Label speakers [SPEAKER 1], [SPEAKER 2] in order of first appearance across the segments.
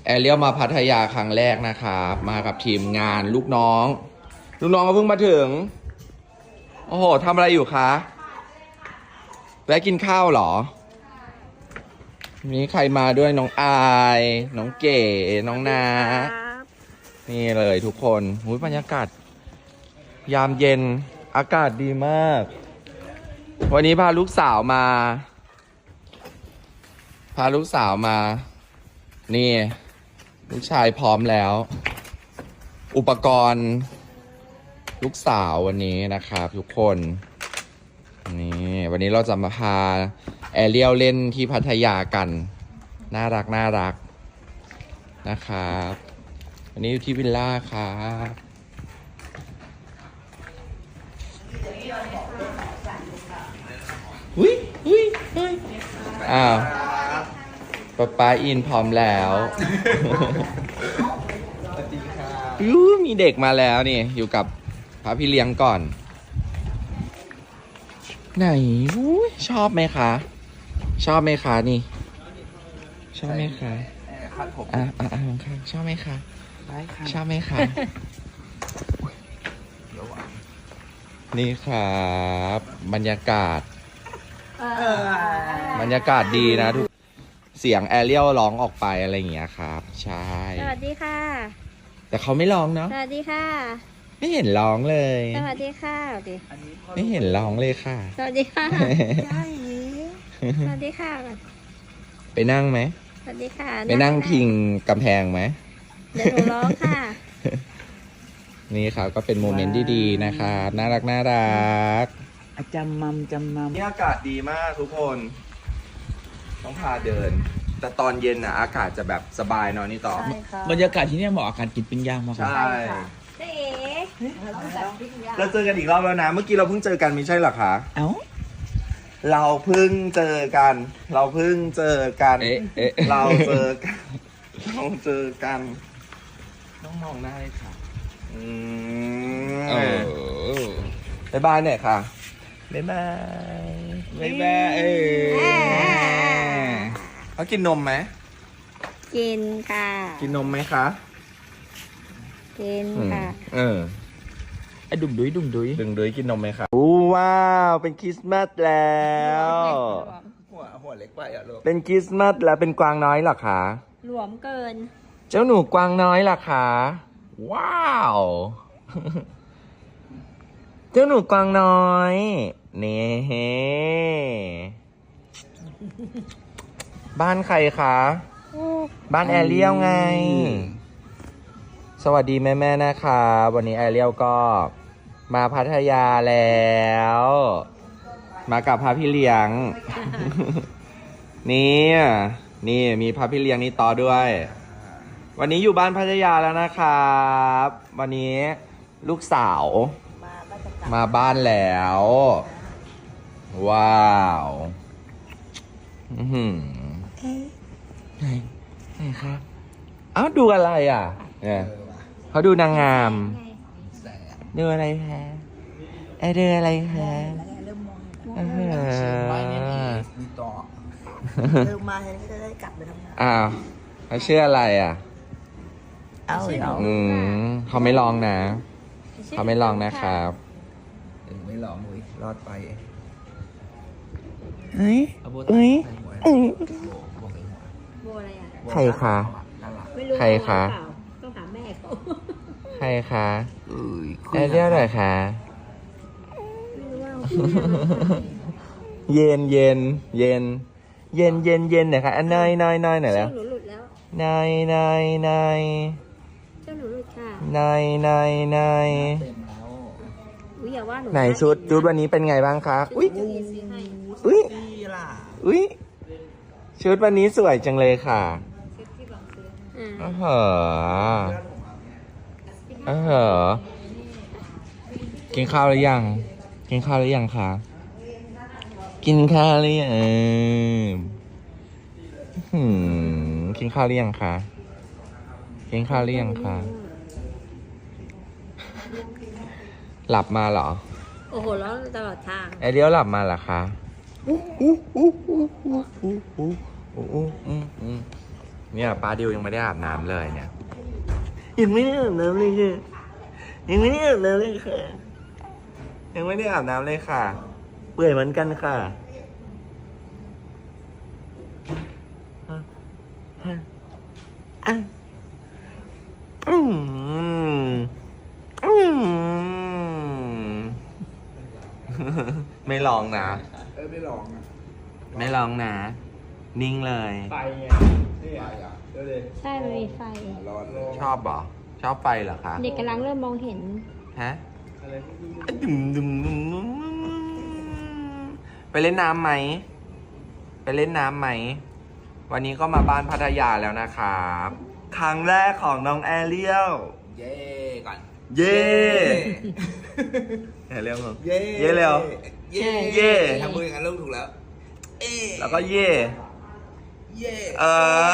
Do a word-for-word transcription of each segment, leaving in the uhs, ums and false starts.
[SPEAKER 1] แอเรียลมาพัทยาครั้งแรกนะครับมากับทีมงานลูกน้องลูกน้องก็เพิ่งมาถึงโอ้โหทำอะไรอยู่คะแวะกินข้าวเหรอมีใครมาด้วยน้องอายน้องเก๋น้องนานี่เลยทุกคนหูยบรรยากาศยามเย็นอากาศดีมากวันนี้พาลูกสาวมาพาลูกสาวมานี่ลูกชายพร้อมแล้ว อุปกรณ์ลูกสาววันนี้นะครับทุกคนนี่วันนี้เราจะมาพาแอเรียลเล่นที่พัทยากันน่ารักน่ารักนะครับวันนี้อยู่ที่วิลล่าครับอุ้ยอุ้ยอุ้ยอ้าวป๊าป๊าอินพร้อมแล้วยูมีเด็กมาแล้วนี่อยู่กับพระพี่เลี้ยงก่อนไหนชอบไหมคะชอบไหมคะนี่ชอบไหมคะอ่าอ่าอ่าค่ะชอบไหมคะชอบไหมคะนี่ครับบรรยากาศบรรยากาศดีนะทุกเสียงแอเรียลร้องออกไปอะไรอย่างเงี้ยครับใช่
[SPEAKER 2] สวัสดีค่ะ
[SPEAKER 1] แต่เขาไม่ร้องเนาะ
[SPEAKER 2] สวัสดีค่ะ
[SPEAKER 1] ไม่เห็นร้องเลย
[SPEAKER 2] สวัสดีค่ะดิ
[SPEAKER 1] ไม่เห็นร้องเลยค่ะ
[SPEAKER 2] สวัสดีค่ะสวัสดีค่ะ
[SPEAKER 1] ไปนั่งไหม
[SPEAKER 2] สวัสดีค่ะ
[SPEAKER 1] ไปนั่งพิงกำแพงไหม
[SPEAKER 2] เดี๋ยวหนูร้องค่ะ
[SPEAKER 1] นี่ครับก็เป็นโมเมนต์ดีๆนะครับน่ารักน่ารัก
[SPEAKER 3] จำมัมจำมัม
[SPEAKER 1] นี่อากาศดีมากทุกคนต้องพาเดินแต่ตอนเย็นน่ะอากาศจะแบบสบายหน่อยนี่ต่อบ
[SPEAKER 3] รรยากาศที่นี่เหมาะกับการกินปิ้งย่างมาก
[SPEAKER 1] ใช่
[SPEAKER 2] เจ๊
[SPEAKER 1] เราเจอกันอีกรอบแล้วนะเมื่อกี้เราเพิ่งเจอกันไม่ใช่หรอคะ
[SPEAKER 3] เอ้า
[SPEAKER 1] เราเพิ่งเจอกันเราเพิ่งเจอกันเราเจอกันเราเจอกันต้องมองหน้าเลยค่ะอืมบ๊ายบายหน่อยค่ะบ๊ายบายบ๊ายบายเออเขากินนมไหม
[SPEAKER 2] กินค่ะ
[SPEAKER 1] กินนมไหมคะ
[SPEAKER 2] กินค่ะ
[SPEAKER 1] เออ
[SPEAKER 3] ไอ้ดุ่มดุยดุ่มดุย
[SPEAKER 1] ดุ่มดุยกินนมไหมคะอู้ว้าวเป็นคริสต์มาสแล้ว
[SPEAKER 3] หัวหัวเล็กไปอ่ะลูก
[SPEAKER 1] เป็นคริสต์มาสแล้วเป็นกวางน้อยเหรอคะ
[SPEAKER 2] หลวมเกิน
[SPEAKER 1] เจ้าหนูกวางน้อยเหรอคะว้าวเจ้าหนูกวางน้อยนี่บ้านใครคะบ้านแอเรียลไงสวัสดีแม่ๆนะคะวันนี้แอเรียลก็มาพัทยาแล้วมากับพระพี่เลี้ยงนี่นี่มีพระพี่เลี้ยงนี่ต่อด้วยวันนี้อยู่บ้านพัทยาแล้วนะครับวันนี้ลูกสาวมาบ้านแล้วว้าวอือหือไหนไหนครับอ้าวดูอะไรอ่ะเนี่ยเขาดูนางงามดูอะไรคะไอเดืออะไรคะเออ
[SPEAKER 4] เริ่มมาจะได้กลับไปทำงาน
[SPEAKER 1] อ้าวเขาชื่ออะไรอ่ะ
[SPEAKER 4] เอาเหรอ
[SPEAKER 1] อืมเขาไม่ลองนะเขาไม่ลองนะครับ
[SPEAKER 3] ไม่ลองเลยรอดไป
[SPEAKER 1] เฮ้ยเฮ้ยเอ้ย
[SPEAKER 2] โบอะไรอ่ะ
[SPEAKER 1] ใครคะใครคะ
[SPEAKER 2] ต้องถามแม่เขา
[SPEAKER 1] ใครคะแอเรียลหน่อยคะเย็นเย็นเย็นเย็นเย็นเย็นหน่อยค่ะอันนายนายนายหน่อยแล้ว
[SPEAKER 2] หนูหลุดแล้ว
[SPEAKER 1] นายนายนาย
[SPEAKER 2] เจ้าหนูหลุดค่ะ
[SPEAKER 1] นายนายนาย
[SPEAKER 2] อุ้ยอย่าว่าหนู
[SPEAKER 1] ไหนชุดชุดวันนี้เป็นไงบ้างคะอุ้ยอุ้ยอุ้ยชุดวันนี้สวยจังเลยค่ะอ๋อเหรออ๋อเหรอกินข้าวหรือยังกินข้าวหรือยังคะกินข้าวหรือยังหืมกินข้าวหรือยังคะกินข้าวหรือยังคะหลับมาเหรอ
[SPEAKER 2] โอ้โหร้องตลอดทาง
[SPEAKER 1] ไอเดียวหลับมาเหรอคะอู้อู้อู้อู้อู้อู้อู้อู้อู้เนี่ยป้าดิวยังไม่ได้อาบน้ำเลยเนี่ย
[SPEAKER 5] ยังไม่ได้อาบน้ำเลยค่ะยังไม่ได้อาบน้ำเลยค่ะ
[SPEAKER 1] ยังไม่ได้อาบน้ำเลยค่ะ
[SPEAKER 5] เปื่อยเหมือนกันค่ะอ่ะอืมอืม
[SPEAKER 1] ไม่ลองนะ
[SPEAKER 3] เออไม่ลองอ่ะ
[SPEAKER 1] ไม่ลองนะ นิ่งเลย
[SPEAKER 3] ไฟไงนี่อ่ะเดี๋ยวเลย
[SPEAKER 2] ใช่มันมีไฟ
[SPEAKER 3] ร้อนเลย
[SPEAKER 1] ชอบเหรอ ชอบไฟเหรอคะ
[SPEAKER 2] เด็กกำลังเริ่มมองเห็น
[SPEAKER 1] ฮะ
[SPEAKER 3] อะไรที่ดู
[SPEAKER 1] ดุมดุมดุมดุมไปเล่นน้ำไหม ไปเล่นน้ำไหม วันนี้ก็มาบ้านพัทยาแล้วนะครับ
[SPEAKER 5] ครั้งแรกของน้องแอเรียล
[SPEAKER 3] เย่ก่อน
[SPEAKER 5] เย่แอเรียลเหรอ
[SPEAKER 3] เย่
[SPEAKER 5] เย่เร็ว
[SPEAKER 3] เย่
[SPEAKER 5] เย่
[SPEAKER 3] ทำมืออย่างนั้นลูกถูกแล้ว เอ๊
[SPEAKER 5] แล้วก็เย่
[SPEAKER 3] เย่
[SPEAKER 5] เออ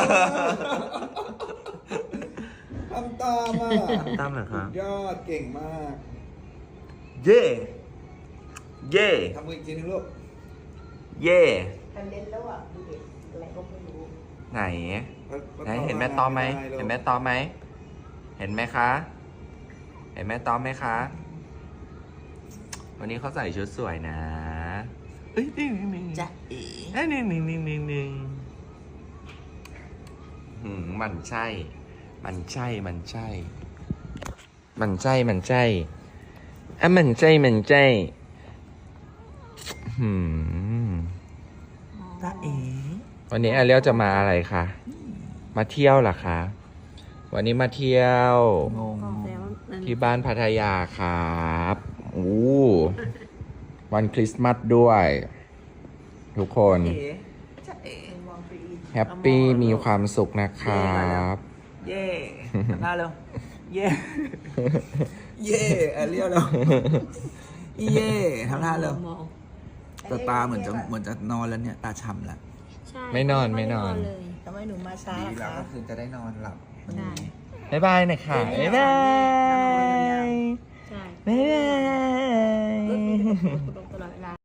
[SPEAKER 3] ทำตามอ่ะ
[SPEAKER 5] ตามเหรอครับ
[SPEAKER 3] ยอดเก่งมาก
[SPEAKER 5] เย่เย่
[SPEAKER 3] ทำมืออีกทีนึงลูก
[SPEAKER 5] เย่
[SPEAKER 4] มันเล่นแล้วอ่ะดูเด็กอะไรก็ไม่รู้
[SPEAKER 1] ไหน ไหนเห็นแม่ตอมไหม เห็นแม่ตอมไหม เห็นไหมคะ เห็นแม่ตอมไหมคะ วันนี้เขาใส่ชุดสวยนะเอ้ยนี่นี่
[SPEAKER 4] จ๊ะเอ๋
[SPEAKER 1] เอ้ยนี่นี่นี่นี่นี่หืมมันใช่ มันใช่ มันใช่ มันใช่ มันใช่อ่ะมันใช่ มันใช่หืม
[SPEAKER 4] จ๊ะเอ๋
[SPEAKER 1] วันนี้อาเลียวจะมาอะไรคะ มาเที่ยวเหรอคะ วันนี้มาเที่ยว
[SPEAKER 3] งง
[SPEAKER 2] แล้วมัน
[SPEAKER 1] ที่บ้านพัทยาครับอู้วันคริสต์มาสด้วย ทุกคน
[SPEAKER 4] เอ๋จ๊ะเอ๋มองไปอีก
[SPEAKER 1] แฮปปี้มีความสุขนะครับ
[SPEAKER 5] เย่ทำหน้าเร็วเย่
[SPEAKER 3] เย่แอเรียลแล้วเย่ทำท่าเร็ว
[SPEAKER 2] มอง
[SPEAKER 3] แต่ตาเหมือนจะเหมือนจะนอนแล้วเนี่ย ตาช้ำแล้ว
[SPEAKER 2] ใช่
[SPEAKER 1] ไม่นอนไม่นอน
[SPEAKER 2] เลย
[SPEAKER 4] ทำไมหนูมาช้า
[SPEAKER 3] ดี
[SPEAKER 4] ล่ะ
[SPEAKER 3] แล้ว
[SPEAKER 4] คะ
[SPEAKER 3] ก็คือจะได้นอนหลับ
[SPEAKER 2] ได้
[SPEAKER 1] บ๊ายบายนะคะ บ๊ายบาย
[SPEAKER 2] ใช่
[SPEAKER 1] บ๊ายบาย